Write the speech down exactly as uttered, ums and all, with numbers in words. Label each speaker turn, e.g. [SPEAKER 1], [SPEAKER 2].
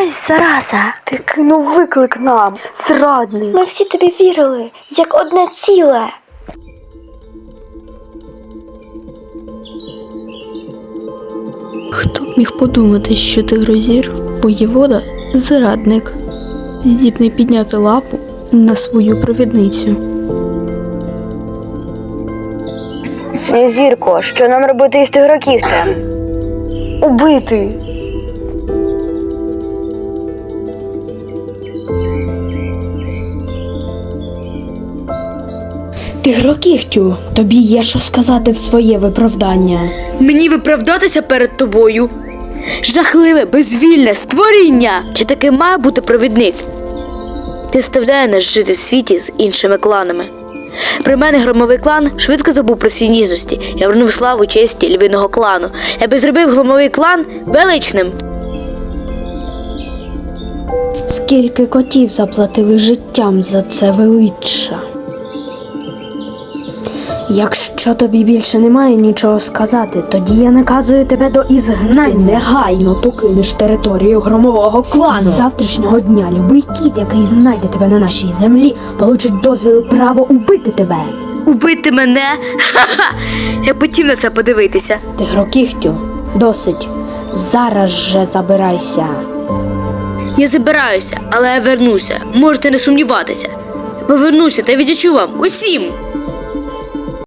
[SPEAKER 1] Ось зараза.
[SPEAKER 2] Ти кинув виклик нам, зрадний.
[SPEAKER 1] Ми всі тобі вірили, як одне ціле.
[SPEAKER 3] Хто б міг подумати, що Тигрозір – воєвода – зрадник, здібний підняти лапу на свою провідницю.
[SPEAKER 2] Синьозірко, що нам робити із Тигрокігтем? Убити.
[SPEAKER 4] Тигрокігтю, тобі є що сказати в своє виправдання.
[SPEAKER 5] Мені виправдатися перед тобою? Жахливе, безвільне створіння! Чи таки має бути провідник? Ти заставляє нас жити в світі з іншими кланами. При мене громовий клан швидко забув про всі ніжності. Я вернув славу честі львиного клану. Я би зробив громовий клан величним.
[SPEAKER 4] Скільки котів заплатили життям за це величчя? Якщо тобі більше немає нічого сказати, тоді я наказую тебе до ізгнання. Негайно покинеш територію громового клану. З завтрашнього дня любий кіт, який знайде тебе на нашій землі, получить дозвіл і право убити тебе.
[SPEAKER 5] Убити мене? Ха-ха! Я хотів на це подивитися.
[SPEAKER 4] Тигрокігтю, досить. Зараз же забирайся.
[SPEAKER 5] Я забираюся, але я вернуся. Можете не сумніватися. Я повернуся та віддячу вам усім.